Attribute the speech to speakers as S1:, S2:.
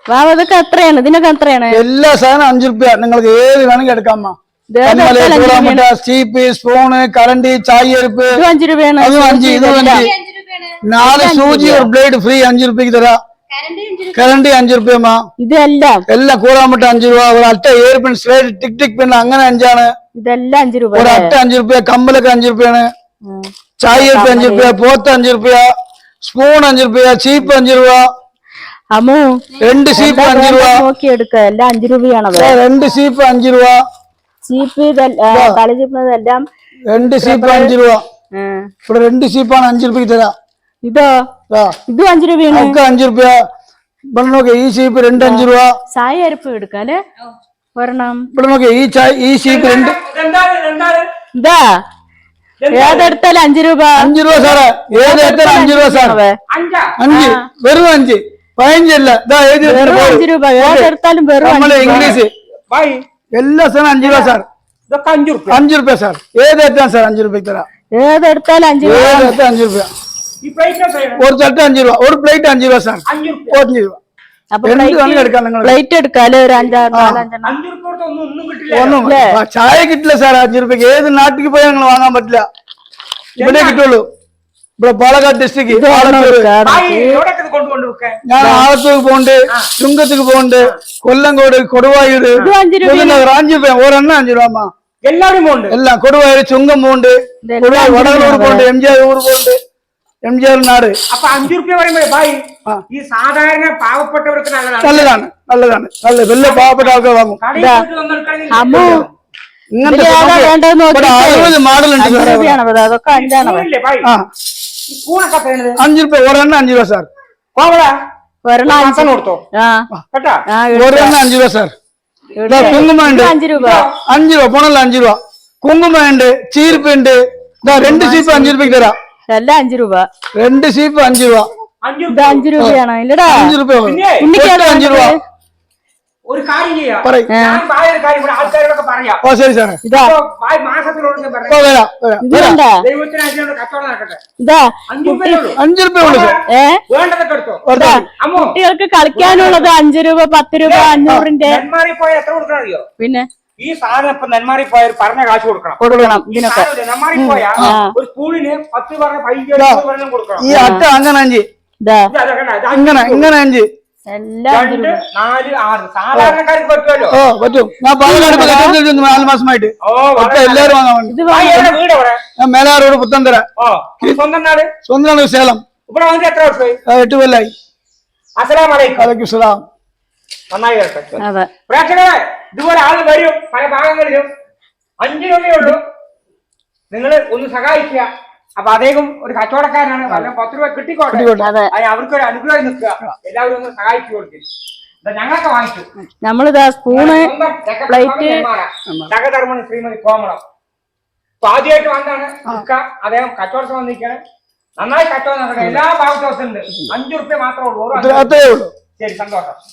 S1: അതൊക്കെ എത്രയാണ്? ഇതിനൊക്കെ എത്രയാണ്?
S2: എല്ലാ സാധനം 5 രൂപ. നിങ്ങൾക്ക് ഏത് വേണമെങ്കിൽ എടുക്കാമ്മ. സ്റ്റീപ്പ്, സ്പൂണ്, കറണ്ടി, ചായ അരിപ്പ്
S1: 5 രൂപയാണ്.
S2: അതും 5. ഇതും 5. 4 സൂചി ഒരു ബ്ലേഡ് ഫ്രീ 5 രൂപയ്ക്ക് തരാം. കറണ്ടി 5 രൂപയമ്മ.
S1: ഇതെല്ലാം
S2: എല്ലാം കൂടാൻ 5 രൂപ. ഒരു അട്ട air pen, slate, tick tick pen അങ്ങനെ 5 ആണ്.
S1: ഇതെല്ലാം 5 രൂപ.
S2: ഒരു അട്ട 5 രൂപ. കമ്പലൊക്കെ 5 രൂപയാണ്. ചായ അരിപ്പ് 5 രൂപ. പോത്ത് 5 രൂപ. സ്പൂൺ 5 രൂപ. ചീപ്പ് 5 രൂപ.
S1: അമ്മു
S2: 2 സീപ്പ് 5 രൂപ.
S1: നോക്കി എടുക്ക. എല്ലാം 5 രൂപയാണത്.
S2: 2 സീപ്പ് 5 രൂപ.
S1: ചീപ്പ് കളി ചീപ്പതെല്ലാം
S2: 2 സീപ്പ് 5 രൂപ. ഇവിടെ 2 സീപ്പാണ് 5 രൂപയ്ക്ക് തരാം.
S1: ഇതോ? ഇതും 5 രൂപയാണ്.
S2: ഒക്കെ 5 രൂപ. ഇവിടെ നോക്കിയ ഈ സീപ്പ് 2 5 രൂപ.
S1: ചായ അരിപ്പ് എടുക്കാല്ലേ ഒരെണ്ണം.
S2: ഇവിടെ നോക്കിയ ഈ സീപ്പ് 2
S1: ഇതാ ഏതെടുത്താലും 5 രൂപ.
S2: 5 രൂപ സാറേ. ഏതെടുത്താലും 5 രൂപ സാറേ. 5 വെറും 5 15 അല്ല. ഇതാ
S1: 5 രൂപ. ഏതെടുത്താലും വെറും
S2: നമ്മളെ ഇംഗ്ലീഷ് എല്ലാ സാധനം 5 രൂപ സാർ. 5 രൂപ സാർ. ഏതെടുത്താൽ സാർ 5 രൂപയ്ക്ക് തരാം.
S1: ഏതെടുത്താലും 5 രൂപ.
S2: 5 രൂപ. ഒരു ചട്ട 5 രൂപ. ഒരു പ്ലേറ്റ് 5 രൂപ സാർ. 5 രൂപ.
S1: പ്ലേറ്റ് എടുക്കാല്ലേ ഒരു 5 6
S2: ഒന്നും ചായ കിട്ടില്ല സാർ 5 രൂപയ്ക്ക്. ഏത് നാട്ടിൽ പോയാൽ ഞങ്ങൾ വാങ്ങാൻ പറ്റില്ല. ഇവിടെ കിട്ടുള്ളൂ. ഇവിടെ പാലക്കാട് ഡിസ്ട്രിക്ട്. ഞാൻ ആലത്തൂർക്ക് പോകണ്ട്, ചുങ്കത്തേക്ക് പോകണ്ട്, കൊല്ലങ്കോട്, കൊടുവായൂര്, 5 രൂപ. ഒരെണ്ണം 5 രൂപ.
S3: എല്ലാവരും പോകണ്ട്.
S2: എല്ലാം കൊടുവായൂര്, ചുങ്കം പോകണ്ട്, വടകളൂർ പോകണ്ട്, MGR ഊർ പോകണ്ട്, MGR നാട്.
S3: അപ്പൊ 5 രൂപ പറയുമ്പോ ഭായി ഈ സാധാരണ പാവപ്പെട്ടവർക്ക് നല്ലതാണ്.
S2: നല്ലതാണ്. നല്ല വലിയ പാവപ്പെട്ട ആൾക്കാർ വാങ്ങും.
S1: അമ്മു
S2: ഇങ്ങനത്തെ 60 മോഡൽ ഉണ്ട്.
S1: അതൊക്കെ 5 ആണ്.
S2: 5 രൂപ. ഒരെണ്ണം 5 രൂപ സാർ.
S1: ഒരെണ്ണം 5
S3: കൊടുത്തോ കേട്ടാ.
S2: ഒരെണ്ണം 5 രൂപ സാർ. കുങ്കുമുണ്ട്
S1: 5 രൂപ.
S2: 5 രൂപ. പോണല്ല 5 രൂപ. കുങ്കുമുണ്ട്, ചീർപ്പുണ്ട്. 2 സീപ്പ് 5 രൂപയ്ക്ക് തരാം.
S1: എല്ലാം 5 രൂപ.
S2: 2 സീപ്പ് 5 രൂപ.
S1: 5 രൂപയാണോ? ഇല്ലടാ
S2: 5 രൂപ. 5 രൂപ.
S3: ഒരു കാര്യം ചെയ്യാം. ആൾക്കാരോടൊക്കെ പറയാം.
S2: ശരി സാറേ.
S3: മാസത്തിലോട് ദൈവത്തിന് കച്ചവടം നടക്കട്ടെ.
S2: 5 രൂപ ഉള്ളു സാർ.
S3: വേണ്ടതൊക്കെ എടുത്തോ.
S1: കുട്ടികൾക്ക് കളിക്കാനുള്ളത് 5 രൂപ, 10 രൂപ, 500ന്റെ.
S3: നെന്മാറി പോയാൽ എത്ര കൊടുക്കണം അറിയോ?
S1: പിന്നെ
S3: ഈ സാധനം ഇപ്പൊ നെന്മാറി പോയാൽ പറഞ്ഞ കാശ് കൊടുക്കണം.
S1: ഇതിനൊക്കെ
S3: നെന്മാറി പോയാൽ ഒരു സ്കൂളിന് 10 പറഞ്ഞ 15 കൊടുക്കണം.
S2: ഈ അട്ട അങ്ങനെ 5. ഇങ്ങനെ 5.
S1: എല്ലാം
S3: 2 4 6 സാധാരണക്കാർക്ക് പറ്റുമല്ലോ.
S2: പറ്റും. ഞാൻ പാലക്കാട് 4 മാസമായിട്ട് എല്ലാവരും വാങ്ങാൻ വേണ്ടി.
S3: വീട് എവിടെ?
S2: ഞാൻ മേലാറോട് പുത്തന്തര.
S3: സ്വന്തം നാട്?
S2: സ്വന്തം സേലം.
S3: ഇവിടെ വന്നിട്ട് എത്ര വർഷമായി?
S2: 8 കൊല്ലായി.
S3: അസ്സലാമു അലൈക്കും.
S2: വലൈക്കും സലാം.
S3: നന്നായി കേട്ടോ പ്രേക്ഷകരെ. ഇതുപോലെ ആള് വരും പല ഭാഗങ്ങളിലും. 5 രൂപയേ ഉള്ളൂ. നിങ്ങൾ ഒന്ന് സഹായിക്കുക. അപ്പൊ അദ്ദേഹം ഒരു കച്ചവടക്കാരനാണ്. 10 രൂപ കിട്ടിക്കോട്ടെ. അവർക്കൊരു അനുഗ്രഹം നിൽക്കുക. എല്ലാവരും ഒന്ന് സഹായിച്ചു കൊടുക്കും. ഞങ്ങളൊക്കെ വാങ്ങിച്ചു.
S1: നമ്മളിതാ സ്പൂണ്, പ്ലേറ്റ്,
S3: സഹധർമ്മണി ശ്രീമതി കോമളം. അപ്പൊ ആദ്യമായിട്ട് വന്നാണ് അദ്ദേഹം കച്ചവടം വന്നിരിക്കുകയാണ്. നന്നായി കച്ചവടം നടക്കട്ടെ. എല്ലാ ഭാഗത്തും ഉണ്ട്. 5 രൂപ മാത്രമേ ഉള്ളൂ. ശരി, സന്തോഷം.